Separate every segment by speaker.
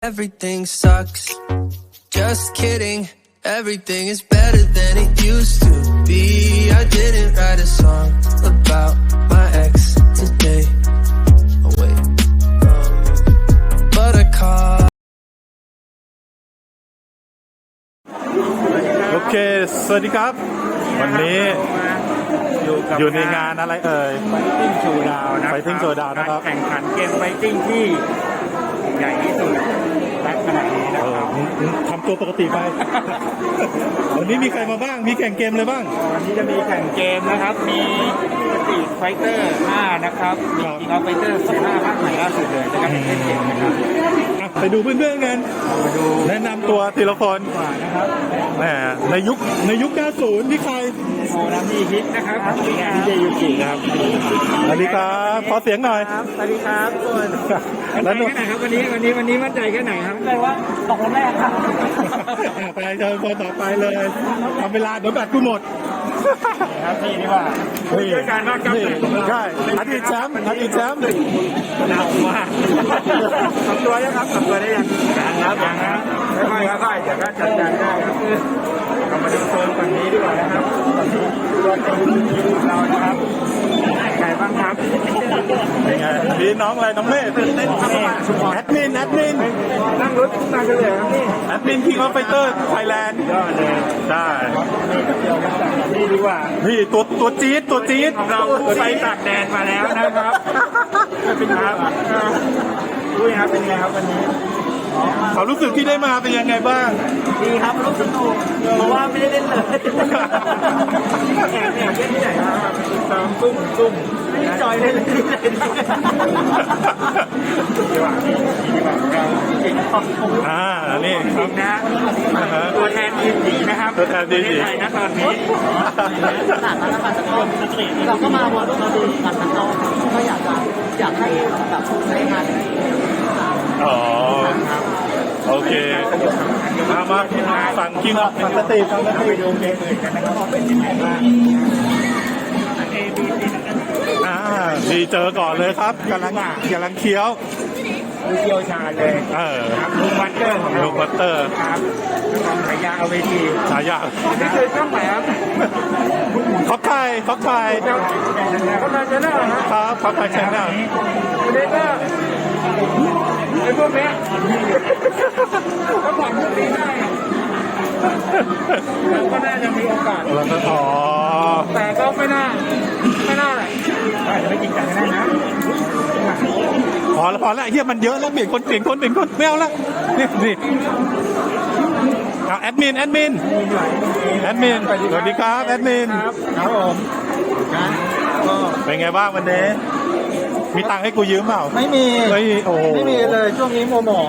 Speaker 1: Everything sucks. Just kidding. Everything is better than it used to be. I didn't write a song about my ex today. Oh wait. But I caught.
Speaker 2: โอเคสวัสดีครับวันนี้อยู่ในงานอะไรเอ่ย
Speaker 3: Fighting Showdown นะ
Speaker 2: Fighting Showdown นะครับ
Speaker 3: การแข่งขันเกม Fighting ที่ใหญ่ที่สุดณขณะนี้นะครับ
Speaker 2: ทำตัวปกติไป วันนี้มีใครมาบ้างมีแข่งเกมอะไรบ้าง
Speaker 3: วันนี้จะมีแข่งเกมนะครับมีสตรีทไฟเตอร์5นะครับมีคิงออฟไฟเตอร์15ภาคใหม่ล่าสุดเลยในการแข่งเกมนะครับ
Speaker 2: ไปดูเพื่อนๆกัน
Speaker 3: มาดู
Speaker 2: แนะนำตัวทีละคน
Speaker 3: กว่านะครับ
Speaker 2: แหมในยุค 90 นี่ใคร
Speaker 3: โอ้น้ำนี่ฮิตนะครับมีงานที่เจยูกิครับ
Speaker 2: สวัสดีครับขอเสียงหน่อย
Speaker 3: สวัสดีครับทุกคน
Speaker 2: แล้ว
Speaker 3: มั่นใจแค่ไหนครับวันนี้มั่นใจแค่ไหนครับมั่นใจว่าตกคนแรกครับ
Speaker 2: ไปเจอคนต่อไปเลยทำเวลาเดี๋ยวแบตกูหมด
Speaker 3: ครับพี่นี่ว่าด้วยการบ้านกับ
Speaker 2: ใช่อดีตแชมป์อดีตแชมป์
Speaker 3: หนาวมากทำตัวยังครับทำตัวได้ยังครับค่อยๆค่อยๆเดี๋ยวก็จัดการได้ครับเรามาดูโซนฝั่งนี้ดีกว่านะครับตัวเต็มของเรานะครับใครบ้างครับ
Speaker 2: เป็นไงมีน้องอะไรน้องเมฆแอดมิน
Speaker 3: นั่งรถมาเฉลยครับนี่
Speaker 2: แอดมินคิงออฟไฟเตอร์ไทยแลนด์
Speaker 3: ยอดเลย
Speaker 2: ใช่
Speaker 3: นี่ดีกว่า
Speaker 2: นี่ตัวจี๊ด
Speaker 3: ของเราไปตากแดดมาแล้วนะครับเป็นครับดูครับเป็นไงครับวันนี้
Speaker 2: เขารู้สึกที่ได้มาเป็นยังไงบ้าง
Speaker 3: ดีครับรู้สึกสนุกเพราะว่าไม่ได้เล่นเลยแอบเล่นที่ไหนครับตามซุ่มไม่ได้จอยเล่นเลยดีกว่าเราจริงขอบคุณ
Speaker 2: นี่
Speaker 3: จริงนะตัวแทนทีมหญิงนะครับ
Speaker 2: ตัวแทนทีมหญิง
Speaker 3: ไทยนะตอนนี้หลังแล้วการสกอร์สตรีทเราก็มาวันเราดูกันทั้งโลกก็อยากให้แบบใช้งานได้
Speaker 2: อ๋อโอเคมาฝั่งคิงออฟสตรีทฝั่งสตรี
Speaker 3: ไป
Speaker 2: ท
Speaker 3: ดูเกมอื่นกันนะครับว่าเป็นยังไงบ้าง
Speaker 2: ดีเจอก่อนเลยครับกำลังเคี้ยว
Speaker 3: ดูเกี่ยวชาญเลยครับลุงวัตเตอร์ของเรา
Speaker 2: ลูกบัตเตอร์
Speaker 3: ครับกองฉายาเอาเวที
Speaker 2: ฉายา
Speaker 3: นี่คือช่องไหนครับ
Speaker 2: ท็อปไทย
Speaker 3: กำลังจะเล่าครับ
Speaker 2: ท็อปไทยแชนแนล
Speaker 3: วันนี้ก็ไอ้พวกเนี้ยก็ผ่านพวกนี้ได้ก็น่าจะมีโอกาส
Speaker 2: แล้วก็อ๋อ
Speaker 3: แต่ก็ไม่น่าเลยอาจจะไม่จริงจังก็ได้นะ
Speaker 2: พอแล้วเฮียมันเยอะแล้วเปลี่ยนคนไม่เอาละนี่แอดมินสวัสดีครับแอดมิน
Speaker 3: ครับผมนะก็
Speaker 2: เป็นไงบ้างวันนี้มีตังค์ให้กูยืมเปล่า
Speaker 3: ไม่มี
Speaker 2: โอ้
Speaker 3: ไม่มีเลยช่วงนี้มัวหมอง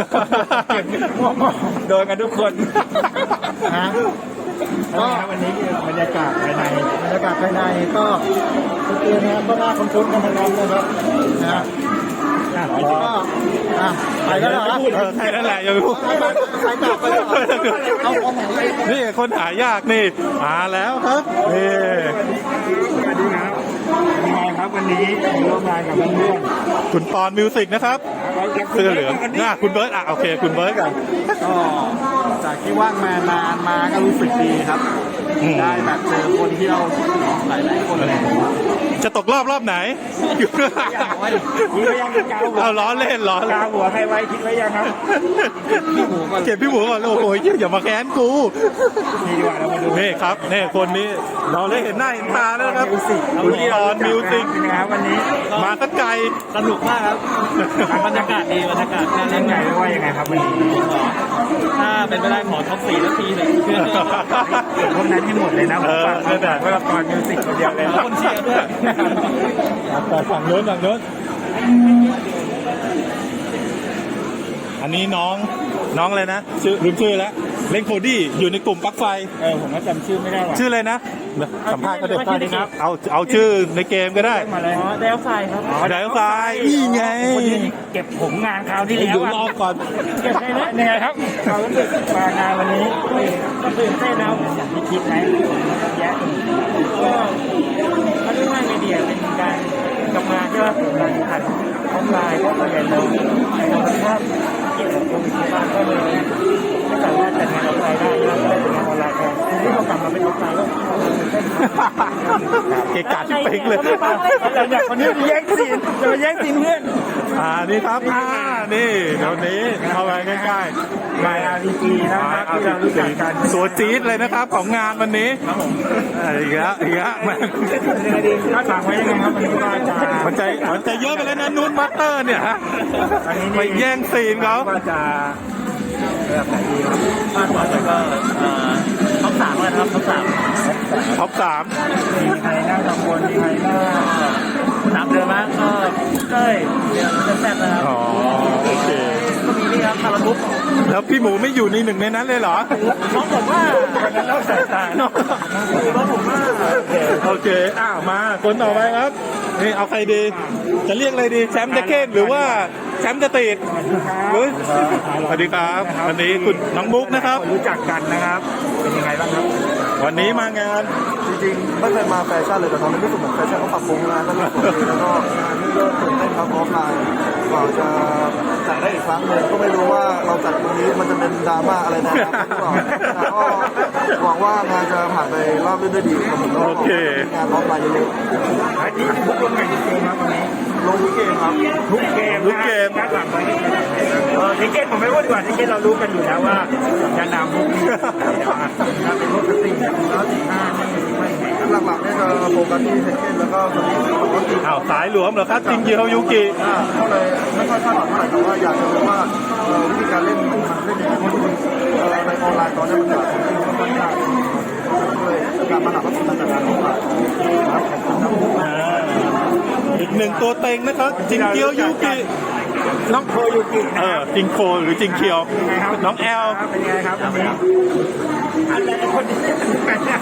Speaker 3: โดนกันทุกคนนะก็วันนี้คือบรรยากาศภายในก็โอเคนะครับก็น่าคุ้นๆกันทั้งนั้นนะครับนะก็ไปแล้วเหรอ
Speaker 2: ใช่นั่นแหละอย่าไปพูด
Speaker 3: ไปต่อไปต่อเอาคนไหน
Speaker 2: นี่คนหายากนี่มาแล้วครับนี่
Speaker 3: สวัสดีครับเป็นไงครับวันนี้ร่วมงานกับเพื่อน
Speaker 2: คุณปอนมิวสิกนะครับเสื้อเหลืองคุณเบิร์ตโอเคคุณเบิร์ตกัน
Speaker 3: ก็จากที่ว่างมานานมาก็รู้สึกดีครับได้แบบเจอคนที่เราหลายคนเลย
Speaker 2: จะตกรอบไหน
Speaker 3: คิดไว้ยังกาวหัว
Speaker 2: เอาล้อเล่น
Speaker 3: กาวหัวใครไว้คิดไว้ยังครับพี่หมูก่อน
Speaker 2: เก็บพี่หมูก่อนโอ้โหอย่ามาแค้นกู
Speaker 3: นี่ดีกว่าเรามาดู
Speaker 2: นี่ครับนี่คนนี้เราได้เห็นหน้าเห็นตาแล้วนะครับคุณปอนมิวสิก
Speaker 3: เป็นไงครับวันนี้
Speaker 2: มาสักไกล
Speaker 3: สนุกมากครับบรรยากาศดีบรรยากาศน่าเล่นใหญ่ว่ายังไงครับวันนี้ถ้าเป็นไปได้ขอท็อป4 นาทีเลยพวกนั้นให้หมดเลยนะผมฝากเพื่อตอนมิวสิกคนเดียวเลยคนเชียร์ด้วย
Speaker 2: แต่ฝั่งโน้นอันนี้น้องอะไรนะลืมชื่อแล้วเล่นโคดี้อยู่ในกลุ่มปลั๊กไฟ
Speaker 3: ผมก็จำชื่อไม่ได้หรอก
Speaker 2: ชื่ออะไรนะสัมภาษณ์ก็ได้เอาชื่อในเกมก็ได้
Speaker 3: มาเลยเดลไฟครับ
Speaker 2: เดลไฟนี่ไง
Speaker 3: เก็บผมงานคราวที่แล้ว
Speaker 2: อยู่รอบก่อน
Speaker 3: เก็บได้ไหมยังไงครับเรารู้สึกมางานวันนี้ก็ตื่นเต้นนะอย่างที่คิดไหมแยะก็เขาเรียกว่าไงดีเป็นการทำงานที่ว่าผมรันผ่านออนไลน์ก็ส่วนใหญ่เราถ้าเกี่ยวกับโควิดที่บ้านก็เลยไม่สามารถจัดงานออนไลน์ได้ก็เลยจัดงานออนไลน์แทนทีนี้เรากลับมาเป็นออนไลน์ก็
Speaker 2: เกะกะที่เป๊กเลย
Speaker 3: อยากคนนี้แย่งซีนจะมาแย่งซีนเพื่อน
Speaker 2: นี่ครับนี่เดี๋ยวนี้เข้าไปใกล้ๆ
Speaker 3: มา RPG นะครับที่เรารู้จักกัน
Speaker 2: ตัวจี๊ดเลยนะครับของงานวันนี้อีกแล้ว
Speaker 3: คาดหวังไว้ยังไงครับวันนี้ก็จะ
Speaker 2: มันจะเยอะไปแล้วนะนุ่นมัตเตอร์เนี่ยฮะไปแย่งซีนเขา
Speaker 3: ก็จะแบบไหนดีครับคาดหวังก็ท็อป3เลยครับท็อป3
Speaker 2: ท็อป
Speaker 3: มีใครน่ากังวลมีใครน่า3เดือนมากก็เต้ยเดือนแซ่บนะครับ
Speaker 2: โอเค
Speaker 3: ก็มีนี่ครับคาราบุก
Speaker 2: แล้วพี่หมูไม่อยู่ในหนึ่งในนั้นเลยเหรอ
Speaker 3: น้องผมว่าวันนั้นเราสายตาน้องผมว่า
Speaker 2: โอเคมาคนต่อไปครับนี่เอาใครดีจะเรียกอะไรดีแชมป์เดคเคนหรือว่าแชมป์กระติดสวัสดีครับวันนี้คุณน้องมุกนะครับ
Speaker 3: รู้จักกันนะครับเป็นยังไงบ้างครับ
Speaker 2: วันนี้มางาน
Speaker 4: จริงๆไม่เคยมาแฟชั่นเลยแต่ตอนนี้รู้สึกเหมือนแฟชั่นเขาปรับปรุงงานแล้วก็สวยแล้วก็งานนี่ก็ตื่นเต้นครับออฟไลน์กว่าจะจัดได้อีกครั้งหนึ่งก็ไม่รู้ว่าเราจัดตรงนี้มันจะเป็นดราม่าอะไรนะหรือเปล่าแต่ก็หวังว่างานจะผ่านไปรอบด้วยดีครับผม
Speaker 2: โอเค
Speaker 4: งานออฟไลน์เยอะ
Speaker 3: ๆอันนี้ทุกคนแข่งเกมครับวันนี้
Speaker 4: ลงทุกเกมครับ
Speaker 3: ทุกเกมการหลังไปทิเก็ตผมไม่พูดดีกว่าทิเก็ตเรารู้กันอยู่แล้วว่าจะนำพวกนี้ถ้าเป็นพวกสิ่งแล้ว15ไม่
Speaker 4: หลักๆเนี่ยจะโฟกัสที่เทคเก้นแล้วก็สมิธ
Speaker 2: สายหลวมเหรอครับจริงเกียวยูกิ
Speaker 4: ก็เลยไม่ค่อยคาดหวังเท่าไหร่แต่ว่าอยากจะรู้ว่าวิธีการเล่นมันเล่นยังไงเพราะจริงในออนไลน์ตอนนี้มันแบบค่อนข้างด้วยการมาหลักก็เป็นการออนไลน์
Speaker 2: อีกหนึ่งตัวเต็งนะครับจิงเกียวยูกิ
Speaker 3: น้องโคยูกิ
Speaker 2: จิงโคหรือจิงเคียวน้องแอล
Speaker 3: เป็นไงครับวันนี้อะไรคนนี้กันเนี่ย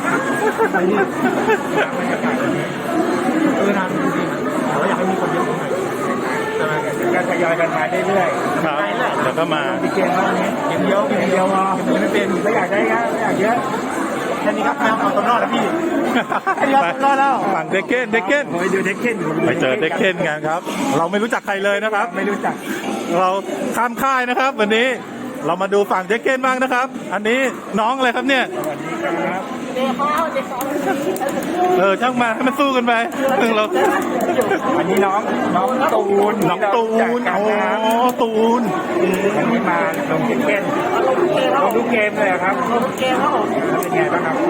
Speaker 3: นานจริงๆเราอยากให้มีคนเยอะหน่อยการทยอยกันมาเรื่อย
Speaker 2: ๆครับแล้วก็มา
Speaker 3: เกมแล้วนี้เกมเดียวพอไม่เป็นไม่อยากได้ครับไม่อยากเยอะแค่นี้ครับเอาตัวรอดแล้วพี่รอดแล้ว
Speaker 2: ฝั่งเดคเคน
Speaker 3: ไปดูเดคเคน
Speaker 2: ไปเจอเดคเคนกันครับเราไม่รู้จักใครเลยนะครับ
Speaker 3: ไม่รู้จัก
Speaker 2: เราข้ามค่ายนะครับวันนี้เรามาดูฝั่งเดคเคนบ้างนะครับอันนี้น้องอะไรครับเนี่ย
Speaker 3: สวัสดีครับ
Speaker 2: ช่างมาให้มันสู้กันไปเรา
Speaker 3: อันนี้น้องตูน
Speaker 2: โอ้ตูน
Speaker 3: วันนี้มาลงเกมลงทุกเกมเลยครับ
Speaker 5: ลงทุกเกมครับผม
Speaker 3: เป็นไงบ้างครับ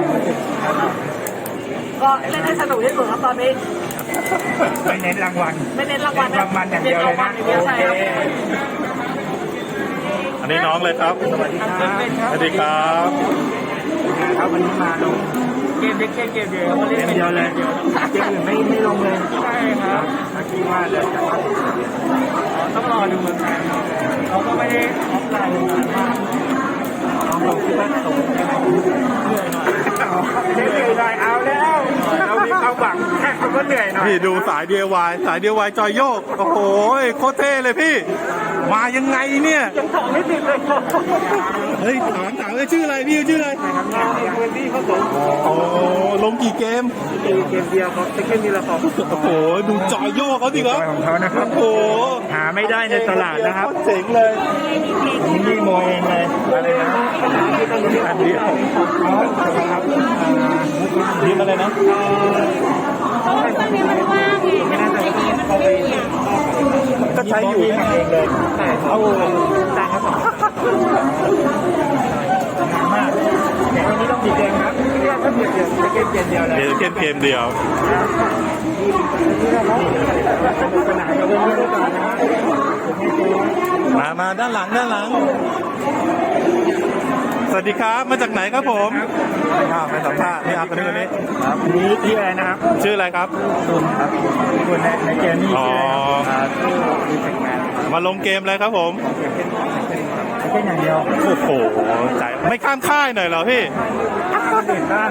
Speaker 5: ก็เล่นให้สนุกที่สุดครับตอนนี้
Speaker 3: ไม่เน้นรางวัลอย่างเดียวเลยนะ
Speaker 5: โอเค
Speaker 2: อันนี้น้องเลยครับ
Speaker 3: สวัสดี
Speaker 2: ครับ
Speaker 3: ครับวันนี้มาลงเกมเด็กเกมเดียวเล่นเดียวเลยเกมอื่นไม่ลงเลย
Speaker 5: ใช่ครับ
Speaker 3: เมื่อกี้ว่าเดี๋ยวต้องรอดูเหมือนกันเขาก็ไม่ได้ออฟไลน์นานมากลองคิดว่าตกได้ไหมเหนื่อยหน่อยเอาแล้วเรามีความหวังแค่คนก็เหนื่อยหน่อย
Speaker 2: พี่ดูสาย DIY จอยโยกโอ้โหโคตรเท่เลยพี่มายังไงเนี่ย
Speaker 5: ยังถอดไม่ติดเลย
Speaker 2: เฮ้ยถามเลยชื่ออะไรพี่ชื่ออะไร
Speaker 3: พื้นที่เขาส่ง
Speaker 2: โอ้ลงกี่เกม
Speaker 3: เดียวครับเกมนี้ละครับ
Speaker 2: โอ้โหดูจอยโยกเขาดิครับ
Speaker 3: ของเขานะครับ
Speaker 2: โอ้โห
Speaker 3: หาไม่ได้ในตลาดนะครับ
Speaker 2: เจ๋งเลย
Speaker 3: นี่โมเองเลยอะไรนะ
Speaker 2: อันเดียวนี่มาเลยนะ
Speaker 5: เพราะว่าตอนนี้มันว่างไงไม่น่าจะเข้าไป
Speaker 2: ก็ใช้อยู่
Speaker 3: เองเลยแต่เขาจ้างเขามากแต่วันนี้ต้องมีเกมครับเรียกว่าเกมเดียวเลย
Speaker 2: เกมเดียว
Speaker 3: สนามเราเล่นไม่ได้ก่อน
Speaker 2: นะมาด้านหลังสวัสดีครับมาจากไหนครับผมไปสัมภาษณ์นี่ครับคนนี้
Speaker 3: ครับนี่ที่อะไรนะครับ
Speaker 2: ชื่ออะไรครับ
Speaker 3: คุณครับคุณในเกมนี้
Speaker 2: มาลงเกมอะไรครับผม
Speaker 3: แค่อย่างเดียว
Speaker 2: โอ้โหใจไม่ข้ามค่ายหน่อยเหรอพี่
Speaker 3: เด่นด้าน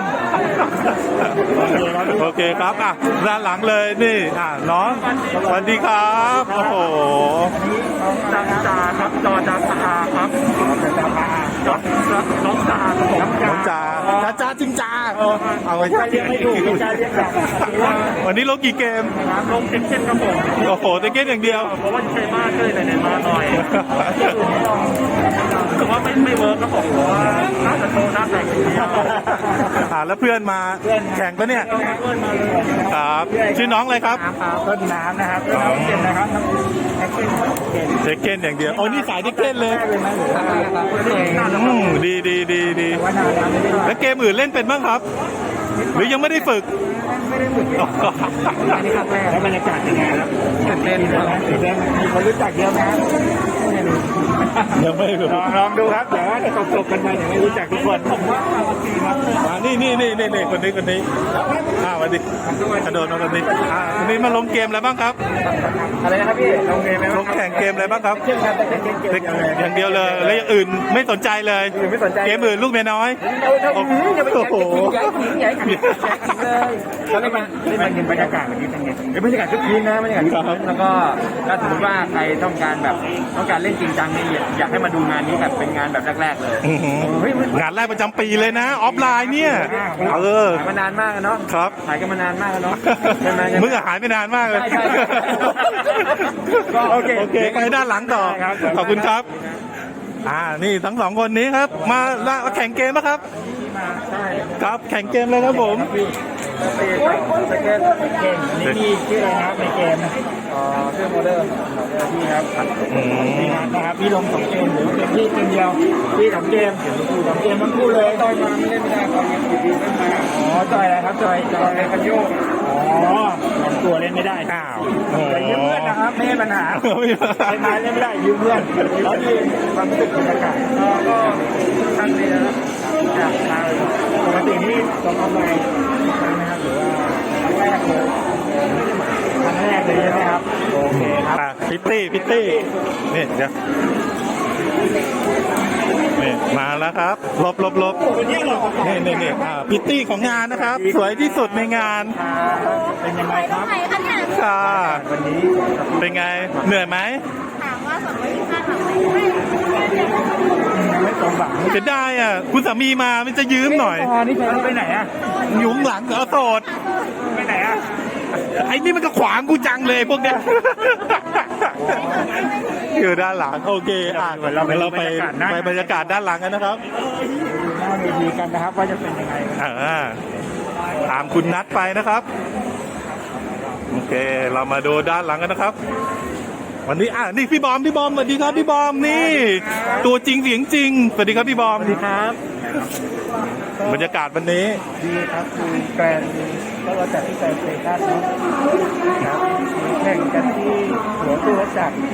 Speaker 2: โอเคครับด้านหลังเลยนี่น้องสวัสดีครับโอ้โห
Speaker 3: น้องจ่าครับจอจ่าครับน้องจ่า
Speaker 2: จ้าจริงจ้าเอาไว้
Speaker 3: เรียกไม่ถูกเป็นการเรียกแบบ
Speaker 2: วันนี้ลงกี่เกม
Speaker 3: นะครับลงเช่นครับผม
Speaker 2: โอ้โหแต่เกมอย่างเดียว
Speaker 3: เพราะว่าใช้มากเลยไหนๆมาหน่อยรู้สึกว่าไม่เวิร์กครับผมเพราะว่าน่าจะโตน่าแต่งทีเดียว
Speaker 2: แล้วเพื่อนมาแข่งปะเนี่ย
Speaker 3: เพื่อนมาเลย
Speaker 2: ครับ ชื่อน้องอะไรครับ
Speaker 3: น้ำครับต้นน้ำนะครับต้นน้ำเก่งนะครับแท็กซี่เก่ง
Speaker 2: เด็กเก้นอย่างเดียวโอ้นี่สายเด็กเก้นเลย
Speaker 3: เลยไหมหรือว่า
Speaker 2: ดีดีดีดี
Speaker 3: ว่านานแล้วไม่ได้
Speaker 2: แล้วเกมอื่นเล่นเป็นบ้างครับ หรือยังไม่ได้ฝึก
Speaker 3: ไม่ได้ฝึกอันนี้ครั้งแรกแล้วบรรยากาศยังไงครับตื่นเต้นตื่นเต้นมีคนรู้จักเยอะไหม
Speaker 2: ยังไม่ฝึก
Speaker 3: ลองดูครับเดี๋ยวว่าจะจบกันไปเดี๋ยวไม่รู้จักทุกคนผมว่าปกติครับ
Speaker 2: นี่คนนี้วันนี้กระโดดมาคนนี้วันนี้มาลงเกมอะไรบ้างครับ
Speaker 3: อะไรนะครับพี่ลงเกมไหม
Speaker 2: ลงแข่งเกมอะไรบ้างครับ
Speaker 3: เช่นครับแต่เกม
Speaker 2: อย่างเดียวเลยแล้วอย่างอื่นไม่สนใจเลย
Speaker 3: ไม่สนใจ
Speaker 2: เกมอื่นลูกเมียน้อย
Speaker 3: โอ้โหอย่าไป
Speaker 2: โอ้โห
Speaker 3: ใหญ่ขิงเลยแล้วเล่นมันเห็นบรรยากาศแบบนี้เป็นไงบรรยากาศทุกทีนะบรรยากาศทุกทีแล้วก็ถ้าสมมติว่าใครต้องการแบบต้องการเล่นจริงจังนี่อยากให้มาดูงานนี้แบบเป็นงานแบบแรกๆเลย
Speaker 2: งานแรกประจำปีเลยนะออฟไลน์เนี่ย
Speaker 3: ขายมานานมากเนาะ
Speaker 2: ครับ
Speaker 3: ขายกันมานานมากเนาะใช่ไหม
Speaker 2: มึงหายไปนานมากเลย
Speaker 3: ใช่
Speaker 2: โอเคไปด้านหลังต่อ ขอบคุณครับ นี่ทั้งสองคนนี้ครับ มาแข่งเกมนะครับ ครับแข่งเกมเลยครับผม
Speaker 3: เกมนี่มีชื่ออะไรนะครับในเกมชื่อโมเดอร์พี่ครับมีงานนะครับพี่ลง2 เกมหรือเกมพี่เกมเดียวพี่2 เกม2 เกมทั้งคู่เลยต่อยมาไม่เล่นไม่ได้ตอนนี้ติดดีเล่นมาต่อยอะไรครับต่อยคันโยกลำตัวเล่นไม่ได้แต่ยืมเพื่อนนะครับไม่ใช่ปัญหาใช้ไม้เล่นไม่ได้ยืมเพื่อนแล้วดีความรู้สึกบรรยากาศก็ท่านนี้นะครับจากปกตินี่ลงออนไลน์นะครับหรือว่าครั้งแรกเลยใช่ไหมครับโอเคครับ
Speaker 2: พิตตี้นี่เดี๋ยวนี่มาแล้วครับลบนี่พิตตี้ของงานนะครับ สวยที่สุดในงาน
Speaker 3: เป็นยังไงครับ
Speaker 5: ไหนคะเนี่ย
Speaker 2: ค่ะ
Speaker 3: วันนี้
Speaker 2: เป็นไงเหนื่อยไหม
Speaker 5: ถามว่า225ถามไหม
Speaker 3: ไม่ตรงบัง
Speaker 2: จะได้คุณสามีมามันจะยืมหน่อย
Speaker 3: พอนี่ไปไหนอ่ะ
Speaker 2: อยู่ข้างหลังเอาโสด
Speaker 3: ไปไหนอ่ะ
Speaker 2: ไอ้นี่มันก็ขวางกูจังเลยพวกเนี้ยอยู่ด้านหลังโอเคเราไปบรรยากาศด้านหลังกันนะครับ
Speaker 3: หน้าเวทีกันนะครับว่าจะเป็นยังไง
Speaker 2: ตามคุณนัดไปนะครับโอเคเรามาดูด้านหลังกันนะครับ วันนี้นี่พี่บอมสวัสดีครับพี่บอมนี่ตัวจริงเสียงจริงสวัสดีครับพี่บอม
Speaker 3: สวัสดีครับ
Speaker 2: บรรยากาศวันนี้
Speaker 3: ดีครับคือแกรนก็เราจัดที่แกรนสเตชันเนาะครับแข่งกันที่หัวตู้รถจักร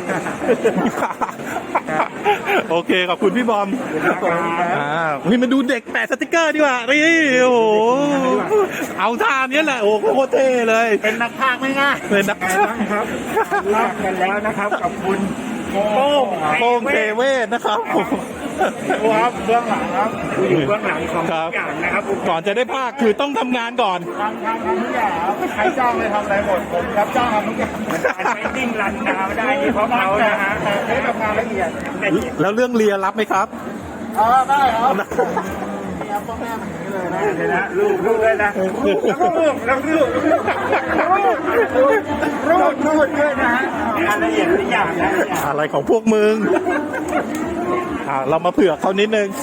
Speaker 2: โอเคขอบคุณพี่บอมนี่มาดูเด็กแปะสติกเกอร์ดีกว่านี่โอ้โหเอาท่านี้แหละโอ้โหโคตรเท่เลย
Speaker 3: เป็นนักพากย์ไม่ง่าย
Speaker 2: เป็นนัก
Speaker 3: ครับลากกันแล้วนะครับกับคุณโป้ง
Speaker 2: เทเวศนะครับ
Speaker 3: ครับเบื้องหลังครับอยู่เบื้องหลังของทุกอย่างนะครับ
Speaker 2: ก่อนจะได้ภาคคือต้องทำงานก่อน
Speaker 3: ทำทุกอย่างใครจ้างเลยทำอะไรหมดผมรับจ้างทำทุกอย่างใช้ดิ้งรันดาวได้นี่เพราะเขานะฮะใช้ทำงานละเอียด
Speaker 2: แล้วเรื่องเรียรับไหมครับ
Speaker 3: ได้ครับนี่ครับพ่อแม่มันอย่างนี้เลยนะเดี๋ยวนะลูกเลยนะลูกด้วยนะฮะงานละเอียดทุกอย่างนะ
Speaker 2: อะไรของพวกมึงเรามาเผื่อเขานิดนึง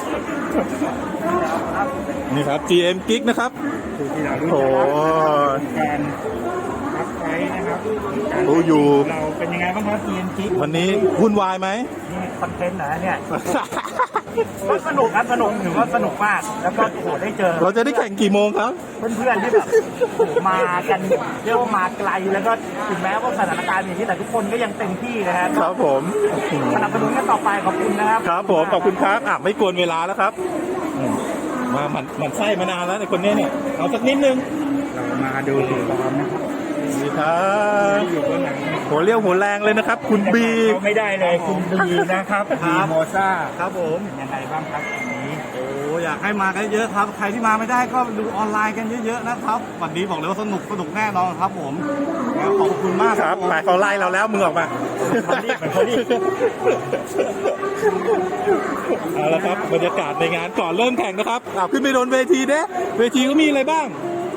Speaker 2: นี่ครับ GM Geek นะครับ
Speaker 3: ที่เรารู้
Speaker 2: โอ้
Speaker 3: แทนรับไว้นะครับ
Speaker 2: รู้อยู่
Speaker 3: เราเป็นยังไงบ้างครับ TNG
Speaker 2: วันนี้วุ่นวายไหม
Speaker 3: นี่คอนเทนต์นะเนี่ยก็สนุกครับสนุกถือว่าสนุกมากแล้วก็โหได้เจอ
Speaker 2: เราจะได้แข่งกี่โมงครับ
Speaker 3: เพื่อนๆที่แบบมากันเรียกว่ามาไกลแล้วก็ถึงแม้ว่าสถานการณ์อย่างนี้แต่ทุกคนก็ยังเต็มที่นะครับ
Speaker 2: ครับผม
Speaker 3: สนับสนุนกันต่อไปขอบคุณนะครับ
Speaker 2: ครับผมขอบคุณครับไม่กวนเวลาแล้วครับมามันไส้มานานแล้วในคนนี้เนี่ยเอาสักนิดนึง
Speaker 3: เรามาดูถึงตอนนะครับ
Speaker 2: ดีครับ
Speaker 3: อยู่เบื้องหลัง
Speaker 2: หัวเรี่ยวหัวแรงเลยนะครับ คุณบี
Speaker 3: ไม่ได้เลยคุณบีนะครับบีโมซ่า
Speaker 4: ครับผม
Speaker 3: ยังไงบ้างครับวันนี้
Speaker 4: โอ้อยากให้มากันเยอะครับ ใครที่มาไม่ได้ก็ดูออนไลน์กันเยอะๆนะครับวันนี้บอกเลยว่าสนุกแน่นอนครับผมขอบคุณมาก
Speaker 2: ครับหมายเขาไล่เราแล้วมึงออกมา
Speaker 3: เขารีบ
Speaker 2: เอาละครับบรรยากาศในงานก่อนเริ่มแข่งนะครับขึ้นไปโดนเวทีเด้เวทีก็มีอะไรบ้าง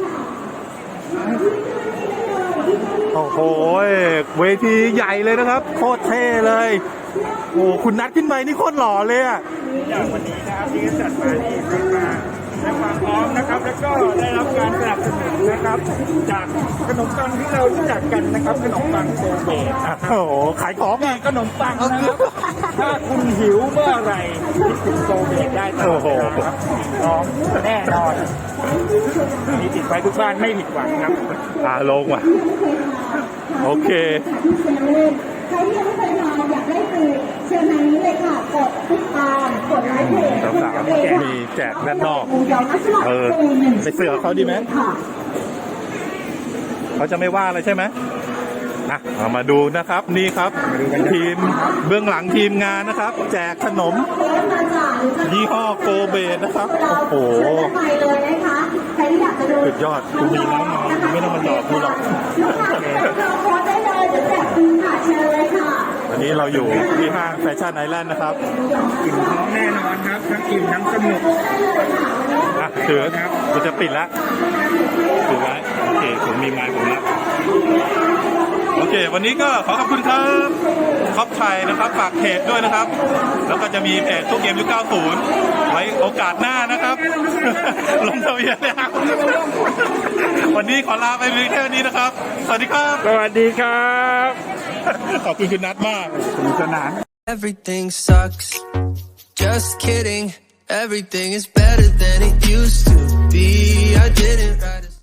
Speaker 2: โอ้โหเวทีใหญ่เลยนะครับโคตรเท่เลยโอ้คุณนัดขึ้นไปนี่โคตรหล่อเลยอ่ะ
Speaker 3: อย่างวันนี้นะครับที่จัดมานี่ขึ้นมาและความพร้อมนะครับแล้วก็ได้รับการสนับสนุนนะครับจากขนมปังที่เรารู้จักกันนะครับขนมปังโซเบตนะครับ
Speaker 2: โอ้โหขายของอีก
Speaker 3: ขนมปังนะครับถ้าคุณหิวเมื่อไหร่คิดถึงโซเบตได้ตลอดเวลาครับน้องแน่นอนมีติดไว้ทุกบ้านไม่ผิดหวังครับ
Speaker 2: ลงว่ะโอเค
Speaker 5: ใครที่ยังไม่เคยมาอยากได้ฟรีเชิญทางนี้เลยค่ะ กดติดตามกดไลค์เพจ
Speaker 2: สาวๆมีแจกด้านนอก
Speaker 5: เดี๋ยวนักสมัครฟรี1
Speaker 2: ไปเสือเขาดีไหม
Speaker 5: ค่ะ
Speaker 2: เขาจะไม่ว่าอะไรใช่ไหมเอามาดูนะครับนี่ครับทีมเบื้องหลังทีมงานนะครับ แจกขนมยี่ห้อโกเบตนะครับโอ้โห
Speaker 5: ไปเลยนะคะใครที่อยากจะดู
Speaker 2: สุดยอดกูมีน้ำมาไม่ต้องมาหลอกกูหรอก
Speaker 5: เราโพสได้เลยจะแจกฟรีค่ะเชิญเลยค่ะ
Speaker 2: วันนี้เราอยู่ที่ห้างแฟชั่นไอแลนด์นะครับ
Speaker 3: อิ่มท้องแน่นอนครับทั้งอิ่มทั้งสนุก
Speaker 2: ถือกูจะปิดแล้วถือไว้โอเคผมมีไม้ผมแล้วโอเค วันนี้ก็ขอขอบคุณครับท็อปไทยนะครับฝากเพจด้วยนะครับ แล้วก็จะมีเพจทุกเกมยุค 90 ไว้โอกาสหน้านะครับ ลงทะเบียนแล้ววันนี้ขอลาไปเพียงแค่นี้นะครับ สวัสดีครับ
Speaker 3: สวัสดีครับ
Speaker 2: ขอบคุณคุณนัทมาก
Speaker 3: สนุกสนาน
Speaker 1: Everything sucks. Just kidding. Everything is better than it used to be. I didn't write a